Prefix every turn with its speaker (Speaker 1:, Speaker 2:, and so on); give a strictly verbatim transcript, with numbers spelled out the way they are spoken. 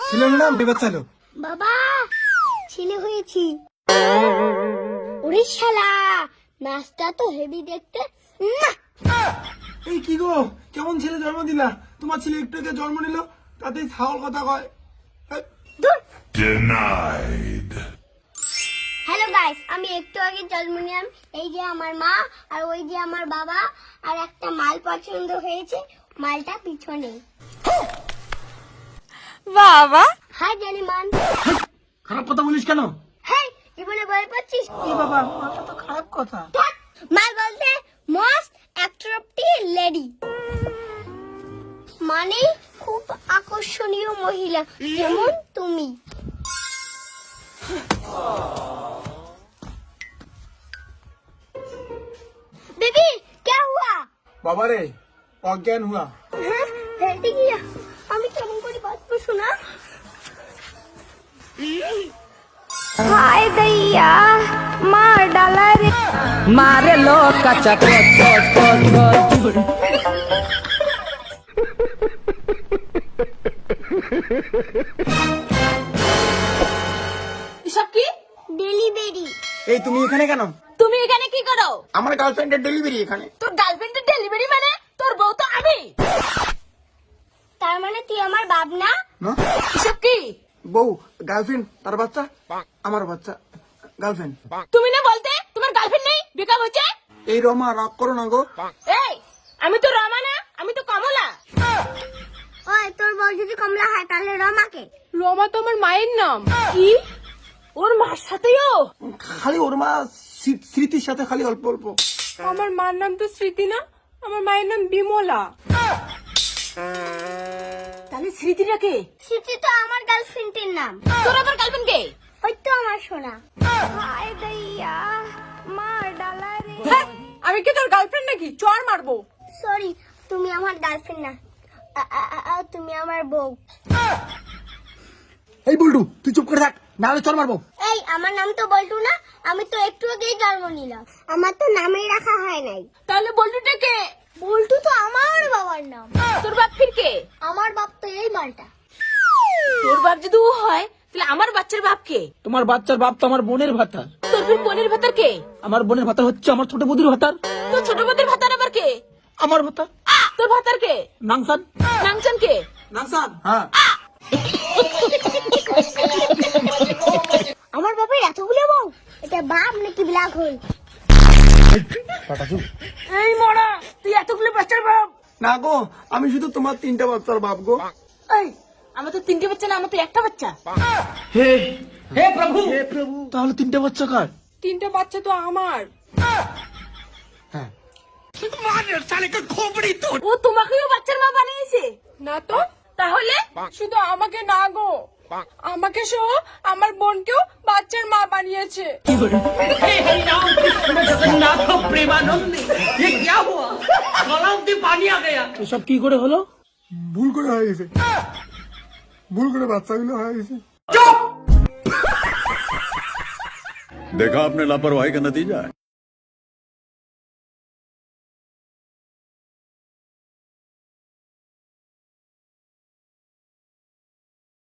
Speaker 1: ছেলের নাম বেবাচ্চালো।
Speaker 2: বাবা ছেলে হয়েছি। ওরে শালা নাচটা তো হেভি দেখতে। উম্মা!
Speaker 1: এই কি গো, কেমন ছেলে জন্ম দিলা? তোমার ছেলে একটু আগে জন্ম নিল, তাতেই ছাগল কথা কয়। এই,
Speaker 2: দূর।
Speaker 3: Denied.
Speaker 2: হ্যালো গাইস, আমি একটু আগে জন্ম নিলাম। এই যে আমার মা আর ওই যে আমার বাবা, আর একটা মাল পছন্দ হয়েছে, মালটা পিছনে।
Speaker 4: বাবা
Speaker 2: হাই জালিমান।
Speaker 1: খারাপ কথা বলিস কেন?
Speaker 2: হেই জীবনে বল পাচ্ছিস?
Speaker 1: এই বাবা, মাথা তো খারাপ কথা।
Speaker 2: ধ্যাৎ, মাল বলতে মোস্ট অ্যাট্রাক্টিভ লেডি, মানে খুব আকর্ষণীয় মহিলা, যেমন তুমি। बेबी क्या हुआ?
Speaker 1: বাবা রে, অজ্ঞান হুয়া।
Speaker 2: हाँ, हेल्दी किया। আমি কেমন করে বাঁচবো শোনা?
Speaker 4: হায় দইয়া মার ডালা রে মারে লো কাচা পট পট পট পট
Speaker 5: এসব কি?
Speaker 2: ডেলিভারি।
Speaker 1: এই তুমি এখানে কেন?
Speaker 5: তুমি এখানে কি করো?
Speaker 1: আমার গার্লফ্রেন্ডের ডেলিভারি এখানে।
Speaker 5: তোর গার্লফ্রেন্ডের ডেলিভারি মানে তোর বউ তো আমি।
Speaker 2: তার মানে তুই আমার বাপ না?
Speaker 1: না,
Speaker 5: এসব কি?
Speaker 1: বউ গার্লফ্রেন্ড, তার বাচ্চা আমার বাচ্চা। গার্লফ্রেন্ড।
Speaker 5: তুমি না বলতে তোমার গার্লফ্রেন্ড নেই, ব্রেকআপ হয়েছে?
Speaker 1: এই রমা, রাগ করো না গো।
Speaker 5: এই আমি তো রমা না, আমি তো কমলা।
Speaker 2: ওই তোর বউ যদি কমলা হয় তাহলে রমাকে।
Speaker 5: রমা তো আমার মায়ের নাম। কি? ওর মার সাথেও?
Speaker 1: খালি ওর মা স্মৃ- স্মৃতির সাথে খালি অল্প অল্প।
Speaker 5: আমার মার নাম তো স্মৃতি না, আমার মায়ের নাম বিমলা। তাহলে স্মৃতিটা কে?
Speaker 2: স্মৃতি তো আমার গার্লফ্রেন্ডের নাম।
Speaker 5: তোর আবার গার্লফ্রেন্ড কে?
Speaker 2: ওই তো আমার সোনা।
Speaker 4: হায় দইয়া মার ডালা রে
Speaker 5: হ্যাঁ, আমি কি তোর গার্লফ্রেন্ড নাকি? চড় মারবো।
Speaker 2: সরি, তুমি আমার গার্লফ্রেন্ড না, আ- আ- আ- আ- তুমি আমার বউ।
Speaker 1: এই বল্টু, তুই চুপ করে থাক, নাহলে চল মারবো।
Speaker 2: এই আমার নাম তো বল্টু না, আমি তো একটু আগেই জন্ম নিলাম। আমার তো নামই রাখা হয় নাই।
Speaker 5: তাহলে বল্টুটা কে?
Speaker 2: বল্টু তো আমার বাবার নাম।
Speaker 5: তোর বাপ ফির কে?
Speaker 2: আমার বাপ তো এই মালটা।
Speaker 5: তোর বাপ যদি ও হয় তাহলে আমার বাচ্চার বাপ কে?
Speaker 1: তোমার বাচ্চার বাপ তো আমার বোনের ভাতার।
Speaker 5: তোর ফির বোনের ভাতার কে?
Speaker 1: আমার বোনের ভাতার হচ্ছে আমার ছোট বৌদির ভাতার।
Speaker 5: তোর ছোট বোনের ভাতার আবার কে?
Speaker 1: আমার ভাতার
Speaker 5: তোর ভাতার কে?
Speaker 1: নাংসান।
Speaker 5: নাংচান কে?
Speaker 1: নাংসান, হ্যাঁ।
Speaker 2: আমার বাপের এতগুলো বউ, এটা বাপ নাকি ব্ল্যাক হোল?
Speaker 5: এই মরা, তুই এতগুলো বাচ্চার বাপ?
Speaker 1: না গো, আমি শুধু তোমার তিনটা বাচ্চার বাপ গো।
Speaker 5: এই আমার তো তিনটে বাচ্চা না, আমার তো একটা বাচ্চা।
Speaker 1: হে হে প্রভু, হে প্রভু, তাহলে তিনটা বাচ্চা কার?
Speaker 5: তিনটা বাচ্চা তো আমার।
Speaker 1: হ্যাঁ।
Speaker 5: ও তোমাকেও বাচ্চার মা বানিয়েছে? না তো। তাহলে শুধু আমাকে না গো, আমাকে সহ আমার বোনকেও বাচ্চার মা বানিয়েছে।
Speaker 1: এসব কি করে হলো? ভুল করে হয়ে গেছে, ভুল করে বাচ্চাগুলো হয়ে গেছে।
Speaker 3: देखा आपने लापरवाही का नतीजा है।